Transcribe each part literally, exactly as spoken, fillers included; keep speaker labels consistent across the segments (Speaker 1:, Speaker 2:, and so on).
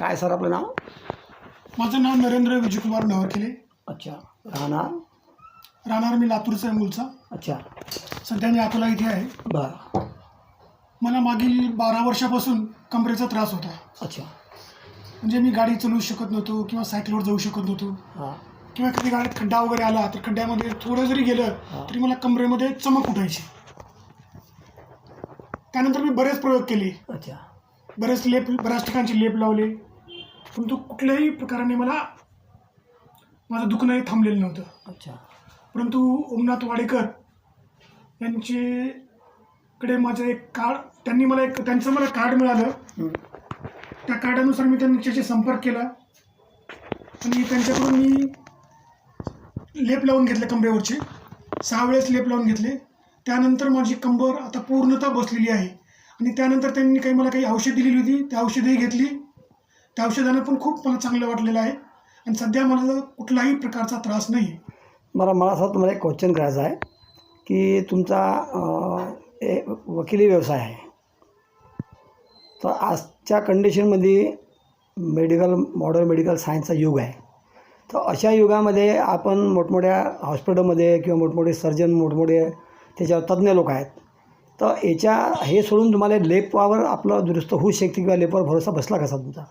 Speaker 1: काय सर आपलं नाव?
Speaker 2: माझं नाव नरेंद्र विजयकुमार नवरखेले.
Speaker 1: अच्छा. राहणार?
Speaker 2: राहणार मी लातूरचा आहे मूळचा.
Speaker 1: अच्छा.
Speaker 2: सध्या मी अकोला इथे आहे.
Speaker 1: बरं.
Speaker 2: मला मागील बारा वर्षापासून कमरेचा त्रास होता.
Speaker 1: अच्छा.
Speaker 2: म्हणजे मी गाडी चालवू शकत नव्हतो किंवा सायकलवर जाऊ शकत नव्हतो.
Speaker 1: हां.
Speaker 2: किंवा कधी गाडीत खड्डा वगैरे आला तर खड्ड्यामध्ये थोडं जरी गेलं तरी मला कमरेमध्ये चमक उठायची. त्यानंतर मी बरेच प्रयोग केले.
Speaker 1: अच्छा.
Speaker 2: बरेच लेप बऱ्याच ठिकाणचे लेप लावले, परंतु कुठल्याही प्रकाराने मला माझं दुखणंही थांबलेलं नव्हतं.
Speaker 1: अच्छा.
Speaker 2: परंतु ओमनाथ वाडेकर यांचेकडे माझं एक कार्ड, त्यांनी मला एक त्यांचं मला कार्ड मिळालं. त्या कार्डानुसार मी त्यांच्याशी संपर्क केला आणि त्यांच्याकडून मी लेप लावून घेतले कमरेवरचे. सहा वेळेस लेप लावून घेतले. त्यानंतर माझी कंबर आता पूर्णतः बसलेली आहे. आणि त्यानंतर त्यांनी काही मला काही औषध दिलेली होती, त्या औषधही घेतली. त्या औषधानं पण खूप मला चांगलं वाटलेलं आहे आणि सध्या मला कुठलाही प्रकारचा त्रास नाही आहे.
Speaker 1: मला मला असं तुम्हाला एक क्वेश्चन करायचं आहे की तुमचा ए वकिली व्यवसाय आहे, तर आजच्या कंडिशनमध्ये मेडिकल मॉडर्न मेडिकल सायन्सचा युग आहे. तर अशा युगामध्ये आपण मोठमोठ्या हॉस्पिटलमध्ये किंवा मोठमोठे सर्जन मोठमोठे त्याच्यावर तज्ज्ञ लोक आहेत, तर याच्या हे सोडून तुम्हाला लेपवर आपलं दुरुस्त होऊ शकते किंवा लेपवर भरोसा बसला कसा तुमचा?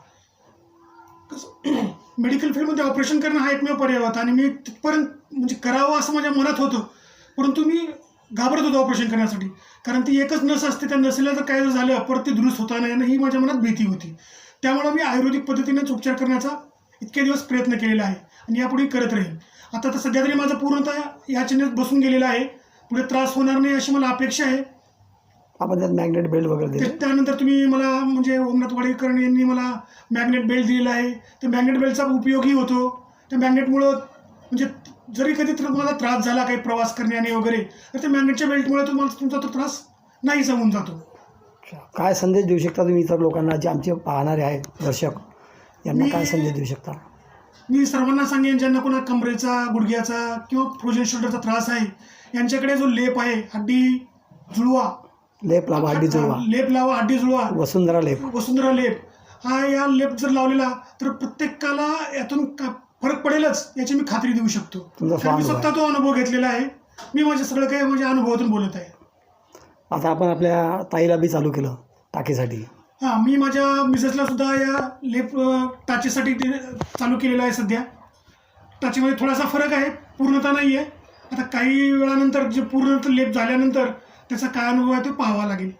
Speaker 2: मेडिकल फील्डमध्ये ऑपरेशन करणं हा एकमेव पर्याय होता आणि मी तिथपर्यंत म्हणजे करावं असं माझ्या मनात होतं, परंतु मी घाबरत होतो ऑपरेशन करण्यासाठी. कारण ती एकच नस असते, त्या नसेला जर काय झालं परत ते दुरुस्त होता नाही ही माझ्या मनात भीती होती. त्यामुळे मी आयुर्वेदिक पद्धतीनेच उपचार करण्याचा इतके दिवस प्रयत्न केलेला आहे आणि यापुढे करत राहील. आता तर सध्या तरी माझा पूर्णतः या चिन्हात बसून गेलेला आहे. पुढे त्रास होणार नाही अशी मला अपेक्षा आहे.
Speaker 1: आपण त्यात मॅग्नेट बेल्ट वगैरे दिले.
Speaker 2: त्यानंतर तुम्ही मला म्हणजे ओमनाथ वाडेकर यांनी मला मॅग्नेट बेल्ट दिलेला आहे. तर मॅग्नेट बेल्टचा उपयोगही होतो. त्या मॅग्नेटमुळं म्हणजे जरी कधी तर मला त्रास झाला काही प्रवास करण्याने वगैरे, तर त्या मॅग्नेटच्या बेल्टमुळे तुम्हाला तुमचा तो त्रास नाहीसा होऊन जातो.
Speaker 1: काय संदेश देऊ शकता तुम्ही इतर लोकांना, जे आमचे पाहणारे आहेत दर्शक, यांना काय संदेश देऊ शकता?
Speaker 2: मी सर्वांना सांगेन ज्यांना कोणा कमरेचा, गुडघ्याचा किंवा फ्रोजन शोल्डरचा त्रास आहे, यांच्याकडे जो लेप आहे हड्डी जुळवा,
Speaker 1: लेप लावा हड्डी जुळवा,
Speaker 2: लेप लावा हड्डी जुळवा,
Speaker 1: वसुंधरा लेप,
Speaker 2: वसुंधरा लेप हा या लेप जर लावलेला तर प्रत्येकाला यातून फरक पडेलच याची मी खात्री देऊ शकतो. मी स्वतः तो अनुभव घेतलेला आहे. मी माझे सगळं काही माझ्या अनुभवातून बोलत आहे.
Speaker 1: आता आपण आपल्या ताईला बी चालू केलं टाकीसाठी.
Speaker 2: हां, मी माझ्या मिसेसला सुद्धा या लेप टाचेसाठी चालू केलेलं आहे. सध्या टाचेमध्ये थोडासा फरक आहे, पूर्णतः नाही आहे. आता काही वेळानंतर जे पूर्ण लेप झाल्यानंतर त्याचा काय अनुभव आहे तो पाहावा लागेल.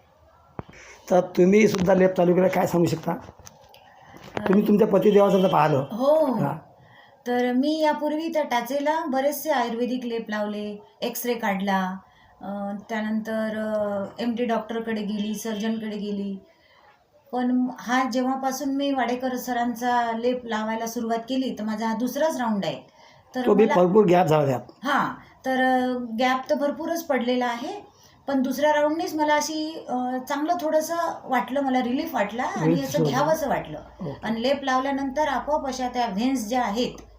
Speaker 1: तर तुम्ही सुद्धा लेप चालू केला, काय सांगू शकता? तुम्ही तुमच्या पतिदेवाचं पाहिलं?
Speaker 3: हो. तर मी यापूर्वी त्या टाचेला बरेचसे आयुर्वेदिक लेप लावले, एक्सरे काढला, त्यानंतर एम डी डॉक्टरकडे गेली, सर्जनकडे गेली. पण हा जेव्हापासून मी वाडेकर सरांचा लेप लावायला सुरुवात केली तर माझा हा दुसराच राऊंड आहे. तर
Speaker 1: तो बी भरपूर गॅप झाला त्यात.
Speaker 3: हां, तर गॅप तर भरपूरच पडलेला आहे, पण दुसऱ्या राऊंडनीच मला अशी चांगलं थोडंसं वाटलं, मला रिलीफ वाटला आणि असं घ्यावंसं वाटलं. आणि लेप लावल्यानंतर आपोआप अशा त्या व्हेन्स ज्या आहेत